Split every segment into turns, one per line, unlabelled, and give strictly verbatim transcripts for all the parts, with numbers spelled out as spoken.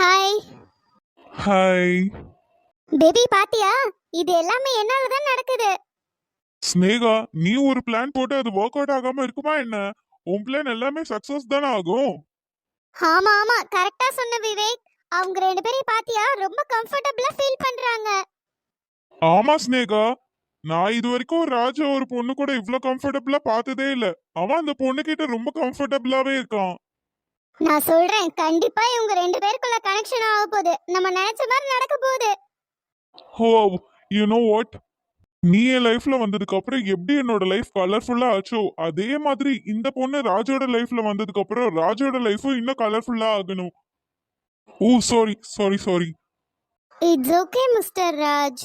Hi.
Hi.
Baby பாத்தியா? இது எல்லாமே என்னால தான் நடக்குது.
ஸ்னேகா, நீ ஒரு பிளான் போட்டு அது ஒர்க் அவுட் ஆகாம இருக்குமா என்ன? உன் பிளான் எல்லாமே சக்சஸ் தானே ஆகும்.
ஆமா ஆமா கரெக்டா சொன்ன விவேக். அவங்க ரெண்டு பேரும் பாத்தியா ரொம்ப கம்ஃபர்ட்டபிளா ஃபீல் பண்றாங்க.
ஆமா ஸ்னேகா, நான் இது வரைக்கும் ராஜா ஒரு பொண்ணு கூட இவ்ளோ கம்ஃபர்டபிளா பார்த்ததே இல்ல. அவன் அந்த பொண்ணு கிட்ட ரொம்ப கம்ஃபர்டபிளாவே இருக்கான்.
நான் சொல்றேன் கண்டிப்பா இவங்க ரெண்டு பேருக்குள்ள கனெக்ஷன் ஆக போகுது. நம்ம நினைச்ச மாதிரி நடக்க போகுது.
ஹோ, யூ நோ வாட், நீ என் லைஃப்ல வந்ததுக்கு அப்புறம் எப்படி என்னோட லைஃப் கலர்ஃபுல்லா ஆச்சோ அதே மாதிரி இந்த பொண்ணு ராஜோட லைஃப்ல வந்ததுக்கு அப்புறம் ராஜோட லைஃபும் இன்னும் கலர்ஃபுல்லா ஆகணும். Oh sorry sorry sorry.
It's okay mister Raj.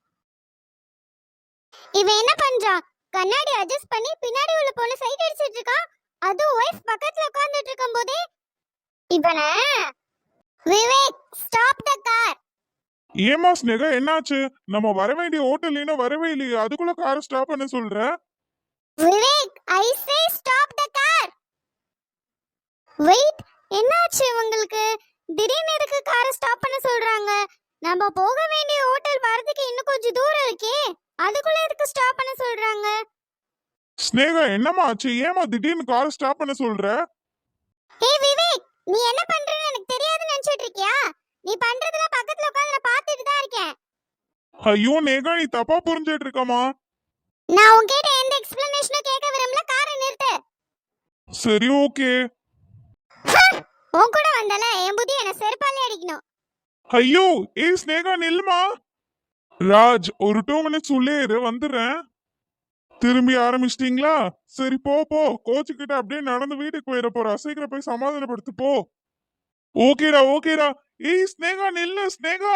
இவன் என்ன பண்றான்? கண்ணாடி அட்ஜஸ்ட் பண்ணி பின்னாடி உள்ள பொண்ணு சைட் அடிச்சிட்டு இருக்கான். அது வைஃப் பக்கத்துல உட்கார்ந்துட்டு இருக்கும்போதே இவன விவேக் ஸ்டாப் த கார்.
ஏமா ஸ்னேகா, என்னாச்சு? நம்ம வர வேண்டிய ஹோட்டல் இன்னும் வரவே இல்லையே, அதுக்குள்ள காரை ஸ்டாப் பண்ண சொல்ற?
Vivek I say stop the car. Wait, என்னாச்சு உங்களுக்கு? திடீர்னு எதுக்கு காரை ஸ்டாப் பண்ண சொல்றாங்க? நம்ம போக வேண்டிய ஹோட்டல் வரதுக்கு இன்னும் கொஞ்சம் தூரம் இருக்கே, அதுக்குள்ள எதுக்கு ஸ்டாப் பண்ண சொல்றாங்க?
ஸ்னேகா, என்னமா ஆச்சு? ஏமா திடீர்னு காரை ஸ்டாப் பண்ண சொல்ற?
ஹே விவேக், நீ என்ன பண்றன்னு எனக்கு தெரியாதுன்னு நினைச்சிட்டு இருக்கியா? நீ பண்றதெல்லாம் பக்கத்துல உட்கார்ந்து நான் பார்த்துட்டு தான் இருக்கேன்.
ஐயோ நேகா, நீ தப்பா புரிஞ்சிட்டு இருக்கமா.
நான் உன்கிட்ட எந்த எக்ஸ்பிளனேஷனும் கேட்க விரும்பல. காரை நிறுத்து.
சரி ஓகே.
உன் கூட வந்தல என் புத்தி என்ன செருப்பாலே அடிக்கணும்.
ஐயோ ஏய் ஸ்னேகா, நில்லுமா. ராஜ், ஒரு டூ மினிட்ஸ் உள்ளே இரு, வந்துடுறேன். திரும்பி ஆரம்பிச்சிட்டீங்களா? சரி போ போ, கோச்சு கிட்ட அப்படியே நடந்து வீட்டுக்கு போயிட போறா. சீக்கிரம் போய் சமாதானப்படுத்து போ. ஓகேடா ஓகேடா. ஏய் ஸ்னேகா நில்லு ஸ்னேகா.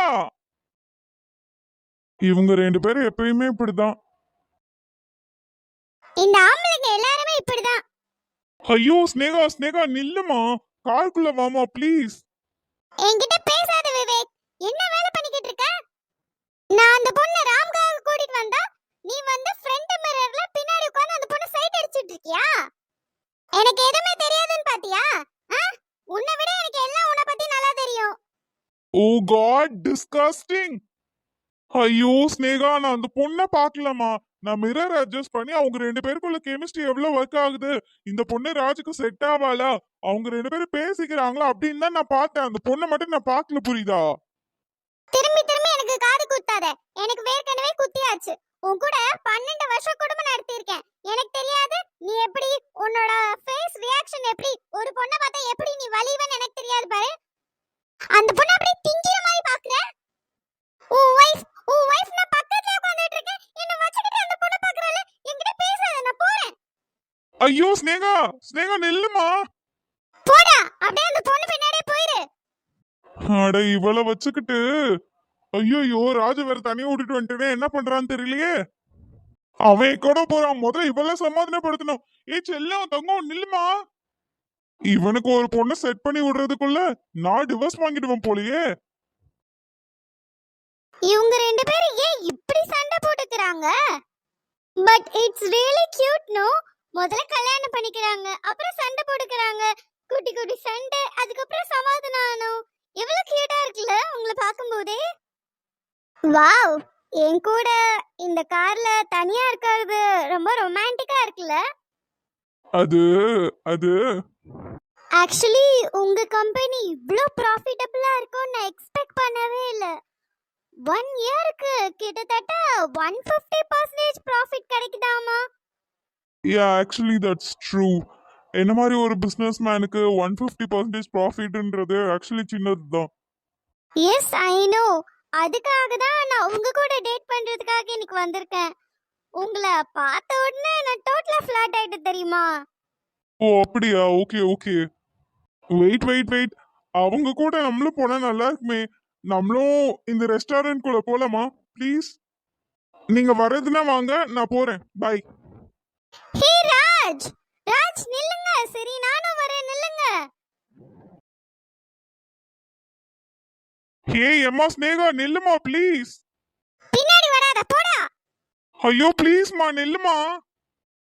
இவங்க ரெண்டு பேரும் எப்பயுமே இப்படிதான்.
இந்த ஆம்பளைங்க எல்லாரும் இப்படிதான்.
ஐயோ ஸ்னேகா ஸ்னேகா நில்லுமா, காருக்குள்ள வாமா ப்ளீஸ்.
என்கிட்ட பேசாத விவேக். என்ன வேலை பண்ணிக்கிட்டு இருக்க? நான் அந்த பொண்ணை ராம்காக கூட்டிட்டு வந்தா நீ வந்து ஃப்ரண்ட் மிரர்ல பின்னாடி உட்கார்ந்து அந்த பொண்ணை சைட் அடிச்சிட்டு இருக்கியா? எனக்கு எதுவுமே தெரியாதுன்னு பாத்தியா? உன்னை விட எனக்கு எல்லாம் உன்னை பத்தி நல்லா தெரியும்.
Oh god, disgusting. ஐயோ ஸ்னேகா, நான் அந்த பொண்ணை பார்க்கலமா. நான் மிரர் அட்ஜஸ்ட் பண்ணி அவங்க ரெண்டு பேருக்குள்ள கெமிஸ்ட்ரி எவ்வளவு ஒர்க் ஆகுது, இந்த பொண்ணு ராஜுக்கு செட் ஆவாளா, அவங்க ரெண்டு பேரும் பேசிக்கிறாங்களா அப்படின்னு தான் நான் பார்த்தேன். அந்த பொண்ணை மட்டும் நான் பார்க்கல, புரியுதா?
திரும்பி திரும்பி எனக்கு காது குத்தாத. எனக்கு வேர்க்கனவே குத்தியாச்சு. உன் கூட பன்னெண்டு வருஷம் குடும்பம் நடத்தி இருக்கேன். எனக்கு தெரியாது நீ எப்படி உன்னோட ஃபேஸ் ரியாக்ஷன் எப்படி ஒரு பொண்ணை பார்த்தா எப்படி நீ வலிவன்னு எனக்கு தெரியாது பாரு. அந்த பொண்ணை அப்படியே திங்கிற மாதிரி பாக்குற. ஓ வைஃப் ஓ வைஃப் நான் பக்கத்துல உட்கார்ந்துட்டு இருக்கேன். என்ன வச்சிட்டு அந்த பொண்ணை பாக்குறல. என்கிட்ட பேசாத, நான் போறேன்.
ஐயோ ஸ்னேகா ஸ்னேகா நில்லுமா.
போடா, அப்படியே அந்த பொண்ணு பின்னாடியே போயிரு.
அட இவள வச்சுக்கிட்டு. ஐயோ ராஜு வேற தனியா விட்டுட்டு வந்துட்டே, என்ன பண்றான்னு தெரியலையே. அவன் கூட போறான், முதல்ல இவள சமாதானப்படுத்தணும். ஏ செல்லம் தங்கம் நில்லுமா. இவனுக்கு ஒரு பொண்ணை செட் பண்ணி விடுறதுக்குள்ள நான் டிவோர்ஸ் வாங்கிடுவேன் போலயே.
இவங்க ரெண்டு பேரும் ஏன் இப்படி சண்டை போட்டுக்கறாங்க? But it's really cute no. முதல்ல கல்யாணம் பண்ணிக்கறாங்க, அப்புறம் சண்டை போட்டுக்கறாங்க. குட்டி குட்டி சண்டை, அதுக்கப்புறம் சமாதானம் ஆனோம். எவ்வளவு கியூட்டா இருக்குல்ல உங்களை பார்க்கும்போதே. வாவ், என் கூட இந்த கார்ல தனியா இருக்கிறது ரொம்ப ரொமான்டிக்கா இருக்குல்ல.
அது அது
ஆக்சுவலி உங்க கம்பெனி இவ்ளோ ப்ராஃபிட்டபிளா இருக்கும்னு நான் எக்ஸ்பெக்ட் பண்ணவே இல்ல. ஒன் இயருக்கு கிட்டத்தட்ட ஒன் ஃபிஃப்டி பர்சன்டேஜ் ப்ராஃபிட் கிடைக்குதாமா?
Yeah actually that's true. என்ன மாதிரி ஒரு பிசினஸ் மேனுக்கு ஒன் ஃபிஃப்டி பர்சன்டேஜ் ப்ராஃபிட்ன்றது ஆக்சுவலி சின்னது தான்.
Yes I know. அதுக்காக தான் நான் உங்க கூட டேட் பண்றதுக்காக இன்னைக்கு வந்திருக்கேன். உங்களை பார்த்த உடனே நான் டோட்டலா ஃபிளாட் ஆயிட்டு தெரியுமா?
ஓ அப்படியா, okay okay. Wait wait wait, அவங்க கூட நம்மளும் போனா நல்லா இருக்குமே. நம்மளும் இந்த ரெஸ்டாரண்ட் குள்ள போலாமா ப்ளீஸ்? நீங்க வர்றதுன்னா வாங்க, நான் போறேன். பை.
ஹே ராஜ், ராஜ் நில்லுங்க. சரி நானும் வரேன், நில்லுங்க.
ஹே எம்மா ஸ்னேகா நில்லுமா ப்ளீஸ்.
பின்னாடி வராத, போடா.
ஐயோ ப்ளீஸ்மா நில்லுமா.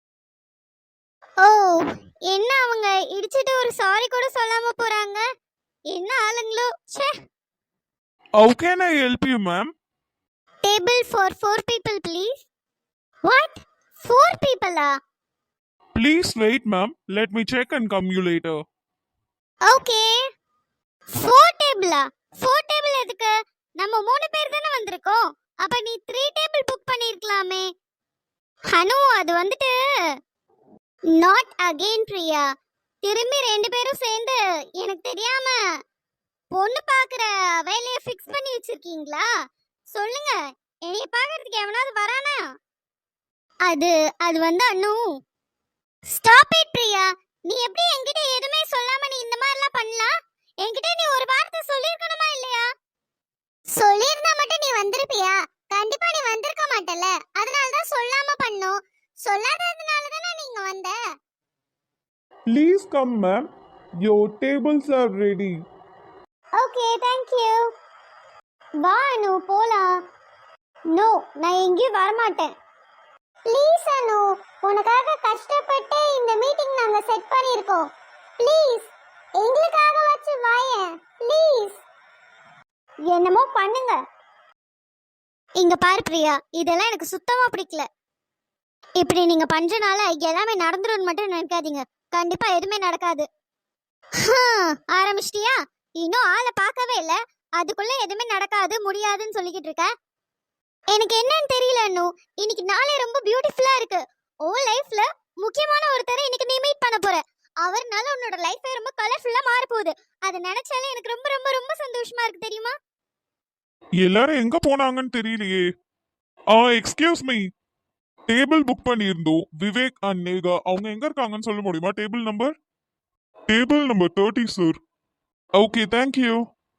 ஓ, என்ன அவங்க இடிச்சிட்டு ஒரு சாரி கூட சொல்லாம போறாங்க? என்ன ஆளுங்களோ. ச்சே.
How can I help you, ma'am?
Table for four people, please. What? Four people? Ah?
Please wait, ma'am. Let me check and come you later.
Okay. Four table? Ah? Four table எதுக்கு? நம்ம மூணு பேர் தானே வந்திருக்கோம். அப்ப நீ three table book பண்ணிருக்கலாமே. ஹனு, அது வந்துட்டு நாட் அகைன் பிரியா. திரும்பி ரெண்டு பேரும் சேர்ந்து எனக்கு தெரியாம பொண்ணு பாக்குற வேலையை ஃபிக்ஸ் பண்ணி வச்சிருக்கீங்களா? சொல்லுங்க, என்னைய பாக்குறதுக்கு எவனாவது வரானா? அது அது வந்து அண்ணு. Stop it Priya. நீ எப்படி என்கிட்ட எதுவுமே சொல்லாம நீ இந்த மாதிரிலாம் பண்ணலாம்? என்கிட்ட நீ ஒரு வார்த்தை சொல்லிருக்கணுமா இல்லையா? சொல்லிருந்தா மட்டும் நீ வந்திருப்பியா? கண்டிப்பா நீ வந்திருக்க மாட்டல. அதனால தான் சொல்லாம பண்ணோம். சொல்லாததுனால தானே நீங்க வந்த.
Please come, ma'am. Your tables are ready.
Okay, thank you. வா அனு, போலாம். நோ, நான் எங்கேயும் வர மாட்டேன். ப்ளீஸ் அனு, உனக்காக கஷ்டப்பட்டு இந்த மீட்டிங் நாங்க செட் பண்ணியிருக்கோம். ப்ளீஸ் எங்களுக்காக வச்சு வாயேன் ப்ளீஸ். என்னமோ பண்ணுங்க. இங்க பாரு பிரியா, இதெல்லாம் எனக்கு சுத்தமா பிடிக்கல. இப்படி நீங்க பண்றனால எல்லாமே நடந்துரும்னு மட்டும் நினைக்காதீங்க. கண்டிப்பா எதுவுமே நடக்காது. ஆரம்பிச்சிட்டியா? இன்னும் ஆளை பார்க்கவே இல்ல, அதுக்குள்ள எதுவுமே நடக்காது முடியாதுன்னு சொல்லிக்கிட்டு இருக்க. எனக்கு என்னன்னு தெரியல அண்ணு. இன்னைக்கு நாளே ரொம்ப பியூட்டிஃபுல்லா இருக்கு. ஓ லைஃப்ல முக்கியமான ஒருத்தரை இன்னைக்கு நீ மீட் பண்ண போற. அவர்னால உன்னோட லைஃபே ரொம்ப கலர்ஃபுல்லா மாற போகுது. அதை நினைச்சாலே எனக்கு ரொம்ப ரொம்ப ரொம்ப சந்தோஷமா இருக்கு தெரியுமா?
எல்லாரும் எங்க போனாங்கன்னு தெரியலையே. Ah excuse me, table book பண்ணியிருந்தோம். விவேக் அண்ட் நேகா அவங்க எங்க இருக்காங்கன்னு சொல்ல முடியுமா? Table number table number thirty sir. Okay, thank you.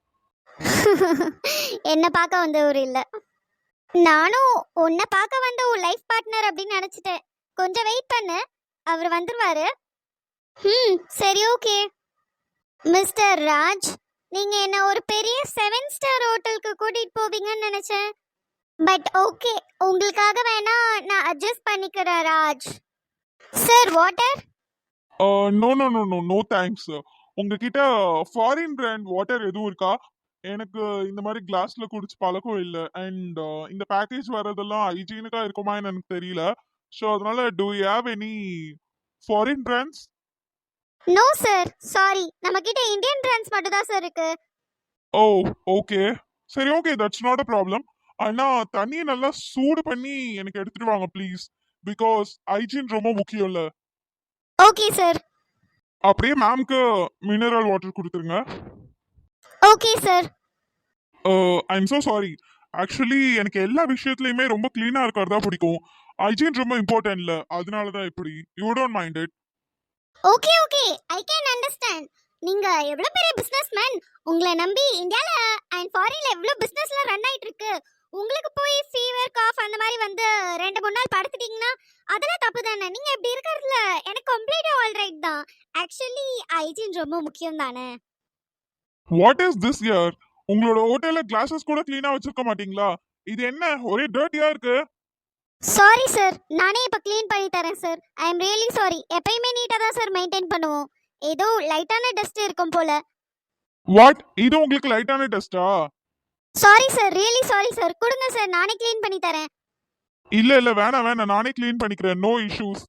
என்ன பார்க்க வந்தவர் இல்ல, நானும் உன்னை பார்க்க வந்த உன் லைஃப் பார்ட்னர் அப்படின்னு நினைச்சிட்டேன். கொஞ்சம் வெயிட் பண்ணு, அவர் வந்துருவாரு. ம் சரி, ஓகே. மிஸ்டர் ராஜ், நீங்க என்ன ஒரு பெரிய செவன் ஸ்டார் ஹோட்டலுக்கு கூட்டிட்டு போவீங்கன்னு நினைச்சேன். பட் ஓகே, உங்களுக்காக வேணா நான் அட்ஜஸ்ட் பண்ணிக்கிறேன் Raj. Sir water?
No no no no no thanks. உங்ககிட்ட ஃபாரின் பிராண்ட் வாட்டர் எதுவும் இருக்கா? எனக்கு இந்த மாதிரி கிளாஸ்ல குடிச்சு பழக்கம் இல்லை. அண்ட் இந்த பேக்கேஜ் வர்றதெல்லாம் ஹைஜீனிக்கா இருக்குமான்னு எனக்கு தெரியல. ஸோ அதனால do you have any foreign brands?
No sir, sorry. நம்ம கிட்ட இந்தியன் பிராண்ட்ஸ் மட்டும் தான் சார் இருக்கு.
ஓ ஓகே, சரி, okay, that's not a problem. ஆனா தண்ணியை நல்லா சூடு பண்ணி எனக்கு எடுத்துட்டு வாங்க ப்ளீஸ். பிகாஸ் ஹைஜீன் ரொம்ப முக்கியம் இல்ல.
Okay sir.
அப்படியே மேம்க்கு மினரல் வாட்டர் கொடுத்துருங்க.
Okay sir.
I am so sorry. Actually எனக்கு எல்லா விஷயத்துலயுமே ரொம்ப கிளீனா இருக்கிறதா பிடிக்கும். ஹைஜீன் ரொம்ப இம்பார்ட்டன்ட் இல்ல, அதனால தான் இப்படி. You don't mind it?
Okay okay, I can understand. நீங்க எவ்வளவு பெரிய பிசினஸ்மேன். உங்களை நம்பி இந்தியால அண்ட் ஃபாரின்ல எவ்வளவு பிசினஸ்லாம் ரன் ஆயிட்டு இருக்கு. உங்களுக்கு போய் ஃபீவர் காஃப் அந்த மாதிரி வந்து ரெண்டு மூணு நாள் படுத்துட்டீங்கன்னா அதெல்லாம் தப்பு தானே. நீங்க இப்படி இருக்கிறதுல எனக்கு கம்ப்ளீட்டா ஆல்ரைட் தான். ஆக்சுவலி ஹைஜீன் ரொம்ப முக்கியம் தானே.
What is this year? உங்களோட ஹோட்டல்ல கிளாஸஸ் கூட கிளீனா வச்சிருக்க மாட்டீங்களா? இது என்ன ஒரே டர்ட்டியா இருக்கு?
சாரி சார், நானே இப்ப க்ளீன் பண்ணி தரேன் sir. I am really sorry. எப்பயுமே நீட்டா தான் சார் மெயின்டைன் பண்ணுவோம். ஏதோ லைட்டான டஸ்ட் இருக்கும் போல.
வாட்? இது உங்களுக்கு லைட்டான டெஸ்டா?
Sorry sir, really sorry sir. கொடுங்க சார், நானே க்ளீன் பண்ணி தரேன்.
இல்ல இல்ல வேணாம் வேணாம், நானே க்ளீன் பண்ணிக்கிறேன். No issues.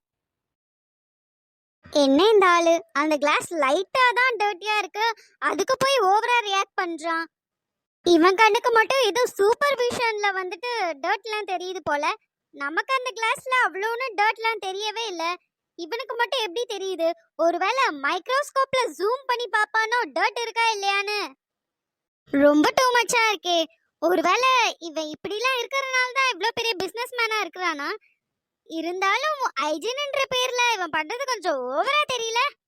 என்ன இந்த ஆளு, அந்த கிளாஸ் லைட்டா தான் டர்ட்டியா இருக்கு, அதுக்கு போய் ஓவரா ரியாக்ட் பண்றான். இவன் கண்ணுக்கு மட்டும் ஏதோ சூப்பர்விஷன்ல வந்துட்டு டர்ட்லாம் தெரியுது போல. நமக்கு அந்த கிளாஸ்ல அவ்வளோன்னு டர்ட்லாம் தெரியவே இல்ல. இவனுக்கு மட்டும் எப்படி தெரியுது? ஒருவேளை மைக்ரோஸ்கோப்ல ஜூம் பண்ணி பாப்பானோ டர்ட் இருக்கா இல்லையான்னு. ரொம்ப டூ மச்சா இருக்கே. ஒருவேளை இவன் இப்படிலாம் இருக்கறனால தான் இவ்ளோ பெரிய பிசினஸ் மேனா இருக்கிறானா? இருந்தாலும் ஹைஜீன்ன்ற பேர்ல இவன் பண்றது கொஞ்சம் ஓவரா தெரியல.